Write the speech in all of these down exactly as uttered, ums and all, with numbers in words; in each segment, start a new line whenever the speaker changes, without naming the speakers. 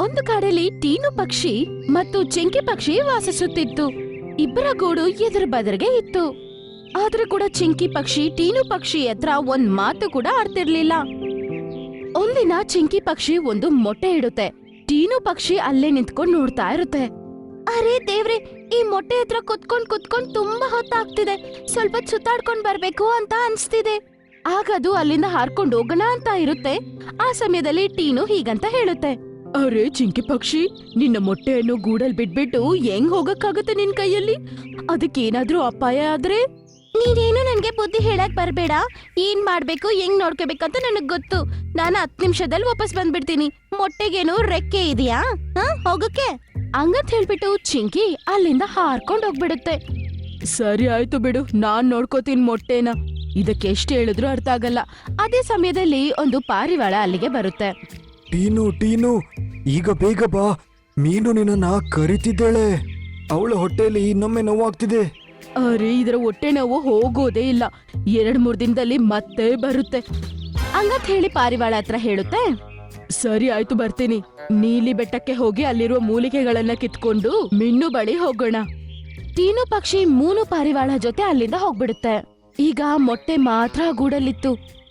ಒಂದು ಕಾಡಲ್ಲಿ ಟೀನು ಪಕ್ಷಿ ಮತ್ತು ಚಿಂಕಿ ಪಕ್ಷಿ ವಾಸಿಸುತ್ತಿತ್ತು. ಇಬ್ಬರ ಗೂಡು ಎದುರು ಬದರಿಗೆ ಇತ್ತು. ಆದ್ರೂ ಕೂಡ ಚಿಂಕಿ ಪಕ್ಷಿ ಟೀನು ಪಕ್ಷಿ ಹತ್ರ ಒಂದ್ ಮಾತು ಕೂಡ ಆಡ್ತಿರ್ಲಿಲ್ಲ. ಒಂದಿನ ಚಿಂಕಿ ಪಕ್ಷಿ ಒಂದು ಮೊಟ್ಟೆ ಇಡುತ್ತೆ. ಟೀನು ಪಕ್ಷಿ ಅಲ್ಲೇ ನಿಂತ್ಕೊಂಡ್ ನೋಡ್ತಾ ಇರುತ್ತೆ. ಅರೆ ದೇವ್ರೆ, ಈ ಮೊಟ್ಟೆ ಹತ್ರ ಕುತ್ಕೊಂಡ್ ಕುತ್ಕೊಂಡ್ ತುಂಬಾ ಹೊತ್ತಾಗ್ತಿದೆ. ಸ್ವಲ್ಪ ಸುತ್ತಾಡ್ಕೊಂಡ್ ಬರ್ಬೇಕು ಅಂತ ಅನ್ಸ್ತಿದೆ. ಆಗದು ಅಲ್ಲಿಂದ ಹಾರ್ಕೊಂಡ್ ಹೋಗೋಣ ಅಂತ ಇರುತ್ತೆ. ಆ ಸಮಯದಲ್ಲಿ ಟೀನು ಹೀಗಂತ ಹೇಳುತ್ತೆ, ಅರೆ ಚಿಂಕಿ ಪಕ್ಷಿ, ನಿನ್ನ ಮೊಟ್ಟೆಯನ್ನು ಗೂಡಲ್ ಬಿಟ್ಬಿಟ್ಟು ಹೆಂಗ್ ಹೋಗಕ್ಕಾಗುತ್ತೆ ನಿನ್ ಕೈಯಲ್ಲಿ? ಅದಕ್ಕೇನಾದ್ರೂ ಅಪಾಯ ಆದ್ರೆ? ನೀನೇನು ನನ್ಗೆ ಬುದ್ಧಿ ಹೇಳಕ್ ಬರ್ಬೇಡ. ಏನ್ ಮಾಡ್ಬೇಕು ಹೆಂಗ್ ನೋಡ್ಕೋಬೇಕಂತ ನನಗ್ ಗೊತ್ತು. ನಾನು ಹತ್ ನಿಮಿಷದಲ್ಲಿ ವಾಪಸ್ ಬಂದ್ಬಿಡ್ತೀನಿ. ಮೊಟ್ಟೆಗೇನು ರೆಕ್ಕೆ ಇದೆಯಾ ಹೋಗಕ್ಕೆ? ಹಂಗಂತ ಹೇಳ್ಬಿಟ್ಟು ಚಿಂಕಿ ಅಲ್ಲಿಂದ ಹಾರ್ಕೊಂಡ್ ಹೋಗ್ಬಿಡುತ್ತೆ. ಸರಿ ಆಯ್ತು ಬಿಡು, ನಾನ್ ನೋಡ್ಕೋತೀನಿ ಮೊಟ್ಟೆನ. ಇದಕ್ಕೆ ಎಷ್ಟು ಹೇಳಿದ್ರು ಅರ್ಥ ಆಗಲ್ಲ. ಅದೇ ಸಮಯದಲ್ಲಿ ಒಂದು ಪಾರಿವಾಳ ಅಲ್ಲಿಗೆ ಬರುತ್ತೆ.
ಟೀನು ಟೀನು, ಈಗ ಬೇಗ ಬಾ, ಮೀನು ನಿನ್ನ ಕರಿತಿದ್ದಾಳೆ. ಅವಳ ಹೊಟ್ಟೆಯಲ್ಲಿ ಇನ್ನೊಮ್ಮೆ ನೋವಾಗ್ತಿದೆ.
ಅರೆ ಇದರ ಹೊಟ್ಟೆ ನೋವು ಹೋಗೋದೇ ಇಲ್ಲ, ಎರಡ್ ಮೂರ್ ದಿನದಲ್ಲಿ ಮತ್ತೆ ಬರುತ್ತೆ ಹಂಗಂತ ಹೇಳಿ ಪಾರಿವಾಳ ಹತ್ರ ಹೇಳುತ್ತೆ. ಸರಿ ಆಯ್ತು ಬರ್ತೀನಿ. ನೀಲಿ ಬೆಟ್ಟಕ್ಕೆ ಹೋಗಿ ಅಲ್ಲಿರುವ ಮೂಲಿಕೆಗಳನ್ನ ಕಿತ್ಕೊಂಡು ಮಿನ್ನು ಬಳಿ ಹೋಗೋಣ. ಟೀನು ಪಕ್ಷಿ ಮೂನು ಪಾರಿವಾಳ ಜೊತೆ ಅಲ್ಲಿಂದ ಹೋಗ್ಬಿಡುತ್ತೆ. ಈಗ ಮೊಟ್ಟೆ ಮಾತ್ರ ಗೂಡಲ್ಲಿತ್ತು.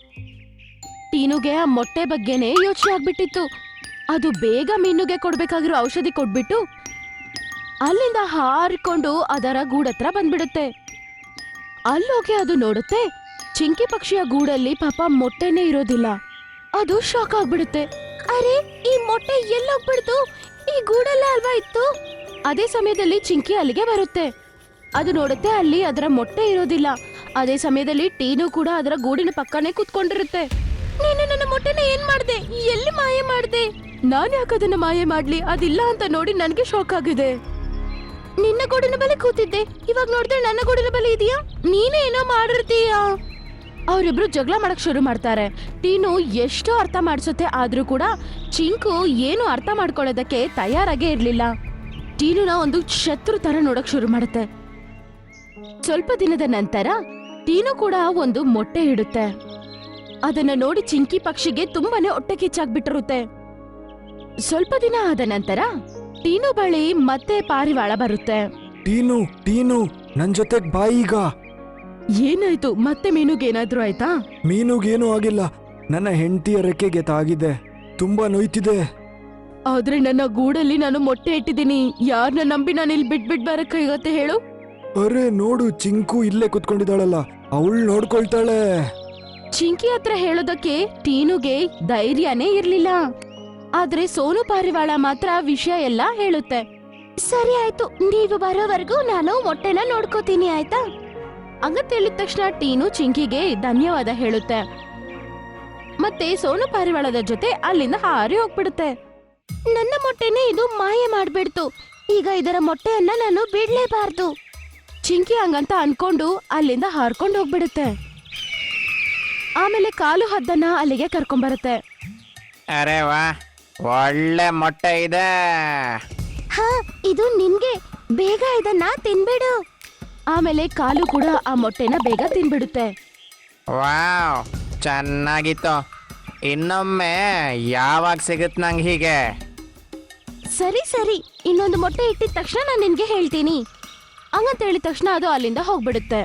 ಟೀನುಗೆ ಆ ಮೊಟ್ಟೆ ಬಗ್ಗೆನೇ ಯೋಚನೆ ಆಗ್ಬಿಟ್ಟಿತ್ತು. ಅದು ಬೇಗ ಮೀನುಗೆ ಕೊಡ್ಬೇಕಾಗಿರೋ ಔಷಧಿ ಕೊಟ್ಬಿಟ್ಟು ಅಲ್ಲಿಂದ ಹಾರಿಕೊಂಡು ಅದರ ಗೂಡತ್ರ ಬಂದ್ಬಿಡುತ್ತೆ. ಅಲ್ಲೋಗಿ ಅದು ನೋಡುತ್ತೆ, ಚಿಂಕಿ ಪಕ್ಷಿಯ ಗೂಡಲ್ಲಿ ಪಾಪ ಮೊಟ್ಟೆನೇ ಇರೋದಿಲ್ಲ. ಅದು ಶಾಕ್ ಆಗ್ಬಿಡುತ್ತೆ. ಅರೆ ಈ ಮೊಟ್ಟೆ ಎಲ್ಲೋಗ್ಬಿಡ್ತು? ಈ ಗೂಡಲ್ಲ ಅಲ್ವಾ ಇತ್ತು? ಅದೇ ಸಮಯದಲ್ಲಿ ಚಿಂಕಿ ಅಲ್ಲಿಗೆ ಬರುತ್ತೆ. ಅದು ನೋಡುತ್ತೆ ಅಲ್ಲಿ ಅದರ ಮೊಟ್ಟೆ ಇರೋದಿಲ್ಲ. ಅದೇ ಸಮಯದಲ್ಲಿ ಟೀನು ಕೂಡ ಅದರ ಗೂಡಿನ ಪಕ್ಕನೇ ಕುತ್ಕೊಂಡಿರುತ್ತೆ. ನೀನು ನನ್ನ ಮೊಟ್ಟೆನ ಏನ್ ಮಾಡ್ದೆ? ಎಲ್ಲಿ ಮಾಯ ಮಾಡ್ದೆ? ನಾನ್ ಯಾಕದನ್ನ ಮಾಯ ಮಾಡ್ಲಿ? ಅದಿಲ್ಲ ಅಂತ ನೋಡಿ ನನ್ಗೆ ಶಾಕ್ ಆಗಿದೆ. ನಿನ್ನ ಗೂಡಿನ ಬಳಿ ಕೂತಿದ್ದೆ, ಇವಾಗ ನೋಡಿದ್ರೆ ನನ್ನ ಗೂಡಿನ ಬಳಿ ಇದೆಯಾ? ನೀನೇ ಏನೋ ಮಾಡಿರ್ತೀಯಾ? ಅವರಿಬ್ರು ಜಗಳ ಮಾಡಕ್ ಶುರು ಮಾಡ್ತಾರೆ. ಟೀನು ಎಷ್ಟೋ ಅರ್ಥ ಮಾಡಿಸುತ್ತೆ, ಆದ್ರೂ ಕೂಡ ಚಿಂಕು ಏನು ಅರ್ಥ ಮಾಡ್ಕೊಳ್ಳೋದಕ್ಕೆ ತಯಾರಾಗೇ ಇರ್ಲಿಲ್ಲ. ಟೀನುನ ಒಂದು ಶತ್ರು ತರ ನೋಡಕ್ ಶುರು ಮಾಡುತ್ತೆ. ಸ್ವಲ್ಪ ದಿನದ ನಂತರ ಟೀನು ಕೂಡ ಒಂದು ಮೊಟ್ಟೆ ಇಡುತ್ತೆ. ಅದನ್ನ ನೋಡಿ ಚಿಂಕಿ ಪಕ್ಷಿಗೆ ತುಂಬಾನೇ ಹೊಟ್ಟೆ ಕಿಚ್ಚಾಗ್ಬಿಟ್ಟಿರುತ್ತೆ. ಸ್ವಲ್ಪ ದಿನ ಆದ ನಂತರ ಟೀನು ಬಳಿ ಮತ್ತೆ ಪಾರಿವಾಳ ಬರುತ್ತೆ.
ಟೀನು ಟೀನು, ನನ್ ಜೊತೆಗ್ ಬಾ ಈಗ.
ಏನಾಯ್ತು? ಮತ್ತೆ ಮೀನುಗೇನಾದ್ರೂ ಆಯ್ತಾ?
ಮೀನುಗೇನು ಆಗಿಲ್ಲ, ನನ್ನ ಹೆಂಡತಿಯ ರೆಕ್ಕೆಗೆ ತಾಗಿದೆ, ತುಂಬಾ ನೋಯ್ತಿದೆ.
ಆದ್ರೆ ನನ್ನ ಗೂಡಲ್ಲಿ ನಾನು ಮೊಟ್ಟೆ ಇಟ್ಟಿದ್ದೀನಿ. ಯಾರನ್ನ ನಂಬಿ ನಾನು ಇಲ್ಲಿ ಬಿಟ್ ಬಿಟ್ ಬರಕ್ಕಾಗತ್ತೆ ಹೇಳು?
ಅರೆ ನೋಡು, ಚಿಂಕು ಇಲ್ಲೇ ಕುತ್ಕೊಂಡಿದ್ದಾಳಲ್ಲ, ಅವಳು ನೋಡ್ಕೊಳ್ತಾಳೆ.
ಚಿಂಕಿ ಹತ್ರ ಹೇಳೋದಕ್ಕೆ ಟೀನುಗೆ ಧೈರ್ಯನೇ ಇರ್ಲಿಲ್ಲ. ಆದ್ರೆ ಸೋನು ಪಾರಿವಾಳ ಮಾತ್ರ ವಿಷಯ ಎಲ್ಲ ಹೇಳುತ್ತೆ. ಸರಿ ಆಯ್ತು, ನೀವು ಬರೋವರೆಗೂ ನಾನು ಮೊಟ್ಟೆನ ನೋಡ್ಕೋತೀನಿ, ಆಯ್ತಾ? ಹಂಗಂತ ಹೇಳಿದ ತಕ್ಷಣ ಟೀನು ಚಿಂಕಿಗೆ ಧನ್ಯವಾದ ಹೇಳುತ್ತೆ. ಮತ್ತೆ ಸೋನು ಪಾರಿವಾಳದ ಜೊತೆ ಅಲ್ಲಿಂದ ಹಾರಿ ಹೋಗ್ಬಿಡುತ್ತೆ. ನನ್ನ ಮೊಟ್ಟೆನೇ ಇದು ಮಾಯ ಮಾಡ್ಬಿಡ್ತು. ಈಗ ಇದರ ಮೊಟ್ಟೆಯನ್ನ ನಾನು ಬಿಡ್ಲೇಬಾರ್ದು. ಚಿಂಕಿ ಹಂಗಂತ ಅನ್ಕೊಂಡು ಅಲ್ಲಿಂದ ಹಾರ್ಕೊಂಡು ಹೋಗ್ಬಿಡುತ್ತೆ. ಆಮೇಲೆ ಕಾಲು ಹದ್ದನ್ನ ಅಲ್ಲಿಗೆ ಕರ್ಕೊಂಡ್ಬರುತ್ತೆ.
ಅರೆ ವಾ, ಒಳ್ಳೆ ಮೊಟ್ಟೆ ಇದೆ.
ಹಾ, ಇದು ನಿನ್ಗೆ, ಬೇಗ ಇದನ್ನ ತಿನ್ಬಿಡು. ಆಮೇಲೆ ಕಾಲು ಕೂಡ ಆ ಮೊಟ್ಟೆನ ಬೇಗ ತಿನ್ಬಿಡುತ್ತೆ.
ವಾವ್, ಚೆನ್ನಾಗಿತ್ತು. ಇನ್ನೊಮ್ಮೆ ಯಾವಾಗ ಸಿಗುತ್ತೆ ನಂಗೆ ಹೀಗೆ?
ಸರಿ ಸರಿ, ಇನ್ನೊಂದು ಮೊಟ್ಟೆ ಇಟ್ಟಿದ ತಕ್ಷಣ ನಾನು ನಿನ್ಗೆ ಹೇಳ್ತೀನಿ. ಹಂಗಂತ ಹೇಳಿದ ತಕ್ಷಣ ಅದು ಅಲ್ಲಿಂದ ಹೋಗ್ಬಿಡುತ್ತೆ.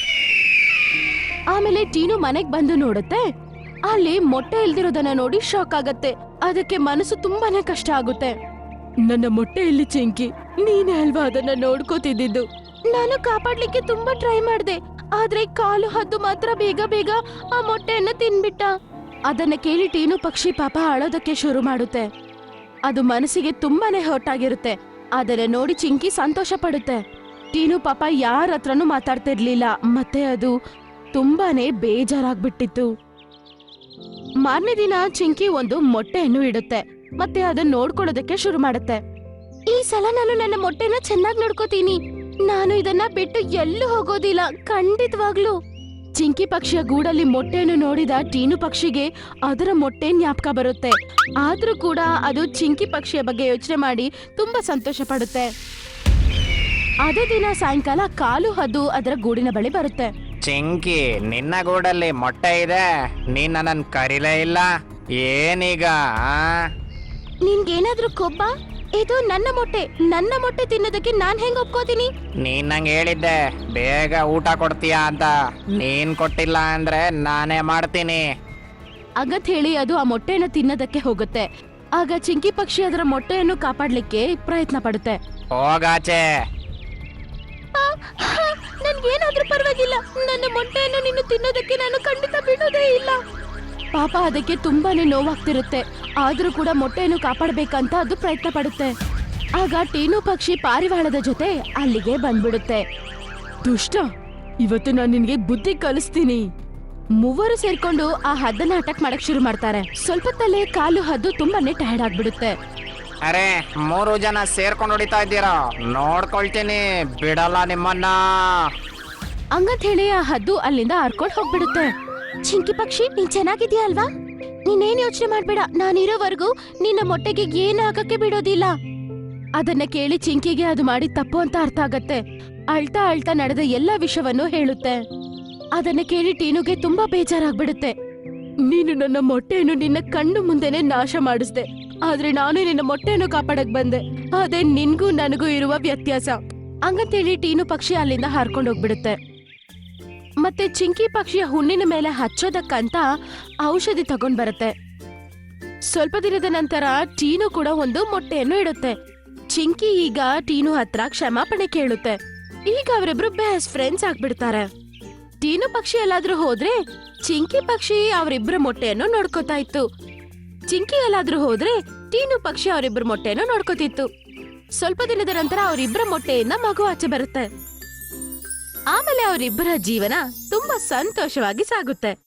ಆಮೇಲೆ ಟೀನು ಮನೆಗ್ ಬಂದು ನೋಡುತ್ತೆ. ಅಲ್ಲಿ ಮೊಟ್ಟೆ ಇಲ್ದಿರೋದನ್ನ ನೋಡಿ ಶಾಕ್ ಆಗತ್ತೆ. ಅದಕ್ಕೆ ಮನಸ್ಸು ತುಂಬಾನೇ ಕಷ್ಟ ಆಗುತ್ತೆ. ನನ್ನ ಮೊಟ್ಟೆ ಇಲ್ಲಿ ಚಿಂಕಿ, ನೀನೇ ಅಲ್ವಾ ಅದನ್ನ ನೋಡ್ಕೋತಿದ್ದು? ನಾನು ಕಾಪಾಡ್ಲಿಕ್ಕೆ ತುಂಬಾ ಟ್ರೈ ಮಾಡ್ದೆ, ಆದ್ರೆ ಕಾಲು ಹದ್ದು ಮಾತ್ರ ಬೇಗ ಬೇಗ ಆ ಮೊಟ್ಟೆಯನ್ನ ತಿನ್ಬಿಟ್ಟ. ಅದನ್ನ ಕೇಳಿ ಟೀನು ಪಕ್ಷಿ ಪಾಪ ಅಳೋದಕ್ಕೆ ಶುರು ಮಾಡುತ್ತೆ. ಅದು ಮನಸ್ಸಿಗೆ ತುಂಬಾನೇ ಹೊಟ್ಟಾಗಿರುತ್ತೆ. ಅದನ್ನ ನೋಡಿ ಚಿಂಕಿ ಸಂತೋಷ ಪಡುತ್ತೆ. ಟೀನು ಪಾಪ ಯಾರ ಹತ್ರನೂ ಮಾತಾಡ್ತಿರ್ಲಿಲ್ಲ. ಮತ್ತೆ ಅದು ತುಂಬಾನೇ ಬೇಜಾರಾಗ್ಬಿಟ್ಟಿತ್ತು. ಮಾರನೇ ದಿನ ಚಿಂಕಿ ಒಂದು ಮೊಟ್ಟೆಯನ್ನು ಇಡುತ್ತೆ. ಮತ್ತೆ ಅದನ್ನ ನೋಡ್ಕೊಳ್ಳೋದಕ್ಕೆ ಶುರು ಮಾಡುತ್ತೆ. ಈ ಸಲ ನಾನು ನನ್ನ ಮೊಟ್ಟೆನ ಚೆನ್ನಾಗಿ ನೋಡ್ಕೋತೀನಿ. ನಾನು ಇದನ್ನ ಬಿಟ್ಟು ಎಲ್ಲೂ ಹೋಗೋದಿಲ್ಲ, ಖಂಡಿತವಾಗ್ಲು. ಚಿಂಕಿ ಪಕ್ಷಿಯ ಗೂಡಲ್ಲಿ ಮೊಟ್ಟೆಯನ್ನು ನೋಡಿದ ಟೀನು ಪಕ್ಷಿಗೆ ಅದರ ಮೊಟ್ಟೆ ಜ್ಞಾಪಕ ಬರುತ್ತೆ. ಆದ್ರೂ ಕೂಡ ಅದು ಚಿಂಕಿ ಪಕ್ಷಿಯ ಬಗ್ಗೆ ಯೋಚನೆ ಮಾಡಿ ತುಂಬಾ ಸಂತೋಷ ಪಡುತ್ತೆ. ಅದೇ ದಿನ ಸಾಯಂಕಾಲ ಕಾಲು ಹದ್ದು ಅದರ ಗೂಡಿನ ಬಳಿ ಬರುತ್ತೆ.
ಚಿಂಕಿ, ನಿನ್ನ ಗೂಡಲ್ಲಿ ಮೊಟ್ಟೆ ಇದೆ, ನೀನ್ ನನ್ನನ್ನು ಕರೀಲೇ ಇಲ್ಲ, ಏನೀಗ?
ನಿನ್ಗೇನಾದ್ರೂ ಕೊಬ್ಬ? ಇದು ನನ್ನ ಮೊಟ್ಟೆ, ನನ್ನ ಮೊಟ್ಟೆ ತಿನ್ನೋದಕ್ಕೆ ನಾನ್ ಹೆಂಗ್ ಒಪ್ಕೋತೀನಿ?
ನೀನ್ ನಂಗೆ ಹೇಳಿದ್ದೆ ಬೇಗ ಊಟ ಕೊಡ್ತೀಯಾ ಅಂತ. ನೀನ್ ಕೊಟ್ಟಿಲ್ಲ ಅಂದ್ರೆ ನಾನೇ ಮಾಡ್ತೀನಿ.
ಆಗತ್ ಹೇಳಿ ಅದು ಆ ಮೊಟ್ಟೆಯನ್ನು ತಿನ್ನೋದಕ್ಕೆ ಹೋಗುತ್ತೆ. ಆಗ ಚಿಂಕಿ ಪಕ್ಷಿ ಅದರ ಮೊಟ್ಟೆಯನ್ನು ಕಾಪಾಡ್ಲಿಕ್ಕೆ ಪ್ರಯತ್ನ ಪಡುತ್ತೆ.
ಹೋಗಾಚೆ.
ನನ್ಗೇನಾದ್ರೂ ಪರವಾಗಿಲ್ಲ, ನನ್ನ ಮೊಟ್ಟೆಯನ್ನು ನೀನು ತಿನ್ನೋದಕ್ಕೆ ನಾನು ಖಂಡಿತ ಬಿಡೋದೇ ಇಲ್ಲ. ಪಾಪ ಅದಕ್ಕೆ ತುಂಬಾನೇ ನೋವಾಗ್ತಿರುತ್ತೆ, ಆದ್ರೂ ಕೂಡ ಮೊಟ್ಟೆಯನ್ನು ಕಾಪಾಡ್ಬೇಕಂತ ಅದು ಪ್ರಯತ್ನ ಪಡುತ್ತೆ. ಆಗ ಟೀನು ಪಕ್ಷಿ ಪಾರಿವಾಳದ ಜೊತೆ ಅಲ್ಲಿಗೆ ಬಂದ್ಬಿಡುತ್ತೆ. ದುಷ್ಟ, ಇವತ್ತು ನಾನು ನಿನ್ಗೆ ಬುದ್ಧಿ ಕಲಿಸ್ತೀನಿ. ಮೂವರು ಸೇರ್ಕೊಂಡು ಆ ಹದ್ದನ್ನ ಅಟ್ಯಾಕ್ ಮಾಡಕ್ ಶುರು ಮಾಡ್ತಾರೆ. ಸ್ವಲ್ಪ ತಲೆ ಕಾಲು ಹದ್ದು ತುಂಬಾನೇ ಟಯರ್ಡ್ ಆಗ್ಬಿಡುತ್ತೆ.
ಅರೆ, ಮೂರು ಜನ ಸೇರ್ಕೊಂಡು ಹೊಡಿತಾ ಇದ್ದೀರಾ, ನೋಡ್ಕೊಳ್ತೀನಿ, ಬಿಡಲ್ಲ ನಿಮ್ಮನ್ನ.
ಹಂಗಂತ ಹೇಳಿ ಆ ಹದ್ದು ಅಲ್ಲಿಂದ ಹರ್ಕೊಂಡ್ ಹೋಗ್ಬಿಡುತ್ತೆ. ಚಿಂಕಿ ಪಕ್ಷಿ, ನೀನ್ ಚೆನ್ನಾಗಿದ್ಯಾ ಅಲ್ವಾ? ನೀನೇನ್ ಯೋಚನೆ ಮಾಡ್ಬೇಡ, ನಾನಿರೋವರೆಗೂ ನಿನ್ನ ಮೊಟ್ಟೆಗೆ ಏನು ಆಗಕ್ಕೆ ಬಿಡೋದಿಲ್ಲ. ಅದನ್ನ ಕೇಳಿ ಚಿಂಕಿಗೆ ಅದು ಮಾಡಿ ತಪ್ಪು ಅಂತ ಅರ್ಥ ಆಗತ್ತೆ. ಅಳ್ತಾ ಅಳ್ತಾ ನಡೆದ ಎಲ್ಲಾ ವಿಷಯವನ್ನು ಹೇಳುತ್ತೆ. ಅದನ್ನ ಕೇಳಿ ಟೀನುಗೆ ತುಂಬಾ ಬೇಜಾರಾಗ್ಬಿಡುತ್ತೆ. ನೀನು ನನ್ನ ಮೊಟ್ಟೆಯನ್ನು ನಿನ್ನ ಕಣ್ಣು ಮುಂದೆನೆ ನಾಶ ಮಾಡಿಸ್ದೆ, ಆದ್ರೆ ನಾನು ನಿನ್ನ ಮೊಟ್ಟೆಯನ್ನು ಕಾಪಾಡಕ್ ಬಂದೆ. ಅದೇ ನಿನ್ಗೂ ನನಗೂ ಇರುವ ವ್ಯತ್ಯಾಸ. ಹಂಗಂತೇಳಿ ಟೀನು ಪಕ್ಷಿ ಅಲ್ಲಿಂದ ಹಾರ್ಕೊಂಡು ಹೋಗ್ಬಿಡುತ್ತೆ. ಮತ್ತೆ ಚಿಂಕಿ ಪಕ್ಷಿಯ ಹುಣ್ಣಿನ ಮೇಲೆ ಹಚ್ಚೋದಕ್ಕಂತ ಔಷಧಿ ತಗೊಂಡ್ ಬರುತ್ತೆ. ಸ್ವಲ್ಪ ದಿನದ ನಂತರ ಟೀನು ಕೂಡ ಒಂದು ಮೊಟ್ಟೆಯನ್ನು ಇಡುತ್ತೆ. ಚಿಂಕಿ ಈಗ ಟೀನು ಹತ್ರ ಕ್ಷಮಾಪಣೆ ಕೇಳುತ್ತೆ. ಈಗ ಅವರಿಬ್ರು ಬೆಸ್ಟ್ ಫ್ರೆಂಡ್ಸ್ ಆಗ್ಬಿಡ್ತಾರೆ. ಟೀನು ಪಕ್ಷಿ ಎಲ್ಲಾದ್ರೂ ಹೋದ್ರೆ ಚಿಂಕಿ ಪಕ್ಷಿ ಅವರಿಬ್ಬರ ಮೊಟ್ಟೆಯನ್ನು ನೋಡ್ಕೋತಾ ಇತ್ತು. ಚಿಂಕಿ ಎಲ್ಲಾದ್ರೂ ಹೋದ್ರೆ ಟೀನು ಪಕ್ಷಿ ಅವರಿಬ್ಬರ ಮೊಟ್ಟೆಯನ್ನು ನೋಡ್ಕೋತಿತ್ತು. ಸ್ವಲ್ಪ ದಿನದ ನಂತರ ಅವರಿಬ್ಬರ ಮೊಟ್ಟೆಯಿಂದ ಮಗು ಆಚೆ ಬರುತ್ತೆ. ಆಮೇಲೆ ಅವರಿಬ್ಬರ ಜೀವನ ತುಂಬಾ ಸಂತೋಷವಾಗಿ ಸಾಗುತ್ತೆ.